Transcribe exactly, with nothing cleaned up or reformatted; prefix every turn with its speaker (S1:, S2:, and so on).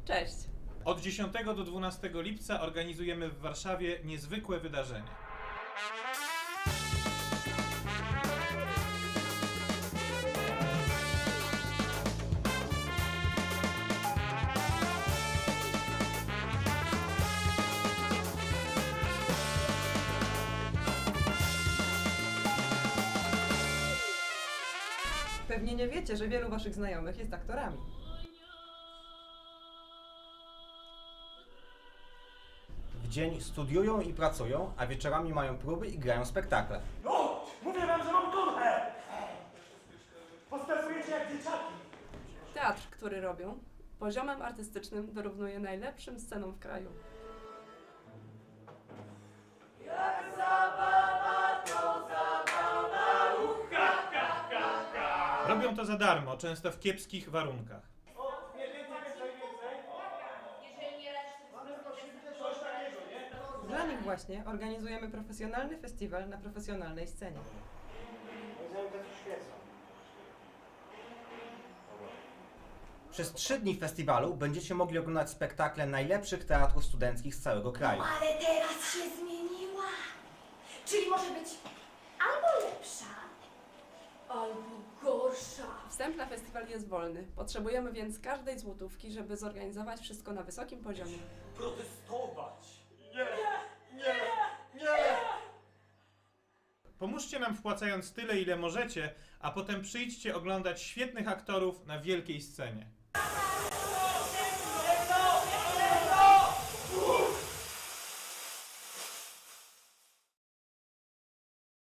S1: Cześć!
S2: Od dziesiątego do dwunastego lipca organizujemy w Warszawie niezwykłe wydarzenie.
S1: Pewnie nie wiecie, że wielu waszych znajomych jest aktorami.
S3: W dzień studiują i pracują, a wieczorami mają próby i grają spektakle.
S4: No! Mówię wam, że mam kurwę! Postępujecie jak dzieciaki!
S1: Teatr, który robią, poziomem artystycznym dorównuje najlepszym scenom w kraju.
S2: Robią to za darmo, często w kiepskich warunkach.
S4: O, nie więcej, więcej, więcej! Coś takiego, nie?
S1: Dla nich właśnie organizujemy profesjonalny festiwal na profesjonalnej scenie.
S3: Przez trzy dni festiwalu będziecie mogli oglądać spektakle najlepszych teatrów studenckich z całego kraju.
S5: Ale teraz się zmieniła. Czyli może być albo lepsza, albo gorsza.
S1: Wstęp na festiwal jest wolny. Potrzebujemy więc każdej złotówki, żeby zorganizować wszystko na wysokim poziomie.
S4: Protestować! Nie! Nie! Nie!
S2: Pomóżcie nam wpłacając tyle, ile możecie, a potem przyjdźcie oglądać świetnych aktorów na wielkiej scenie.